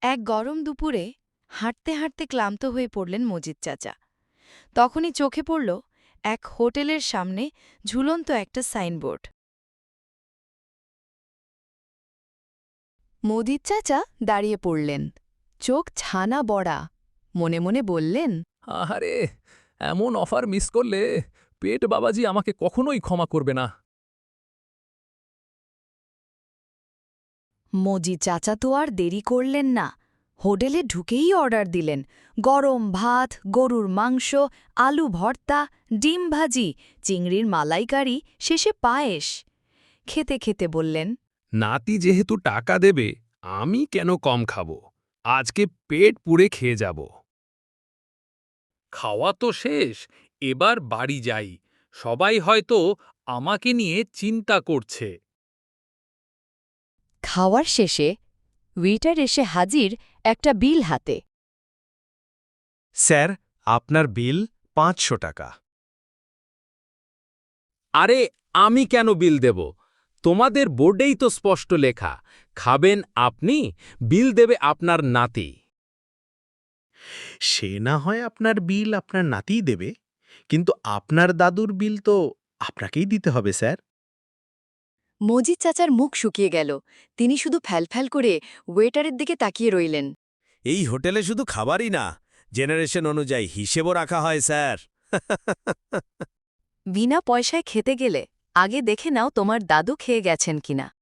এক গরম দুপুরে হাঁটতে হাঁটতে ক্লান্ত হয়ে পড়লেন মজিদ চাচা। তখনই চোখে পড়ল এক হোটেলের সামনে ঝুলন্ত একটা সাইনবোর্ড। মজিদ চাচা দাঁড়িয়ে পড়লেন, চোখ ছানা বড়া। মনে মনে বললেন, আহারে, এমন অফার মিস করলে পেট বাবাজি আমাকে কখনোই ক্ষমা করবে না। মজিদ চাচা তো আর দেরি করলেন না, হোটেলে ঢুকেই অর্ডার দিলেন গরম ভাত, গরুর মাংস, আলু ভর্তা, ডিম ভাজি, চিংড়ির মালাইকারি, শেষে পায়েস। খেতে খেতে বললেন, নাতি যেহেতু টাকা দেবে, আমি কেন কম খাবো? আজকে পেট পুড়ে খেয়ে যাব। খাওয়া তো শেষ, এবার বাড়ি যাই। সবাই হয়তো আমাকে নিয়ে চিন্তা করছে। খাওয়ার শেষে ওয়েটার এসে হাজির একটা বিল হাতে। স্যার, আপনার বিল ৫০০ টাকা। আরে, আমি কেন বিল দেব? তোমাদের বোর্ডেই তো স্পষ্ট লেখা, খাবেন আপনি, বিল দেবে আপনার নাতি। সে না হয় আপনার বিল আপনার নাতিই দেবে, কিন্তু আপনার দাদুর বিল তো আপনাকেই দিতে হবে স্যার। মজিদ চাচার মুখ শুকিয়ে গেল। তিনি শুধু ফ্যালফ্যাল করে ওয়েটারের দিকে তাকিয়ে রইলেন। এই হোটেলে শুধু খাবারই না, জেনারেশন অনুযায়ী হিসেবও রাখা হয় স্যার। বিনা পয়সায় খেতে গেলে আগে দেখে নাও তোমার দাদু খেয়ে গেছেন কিনা।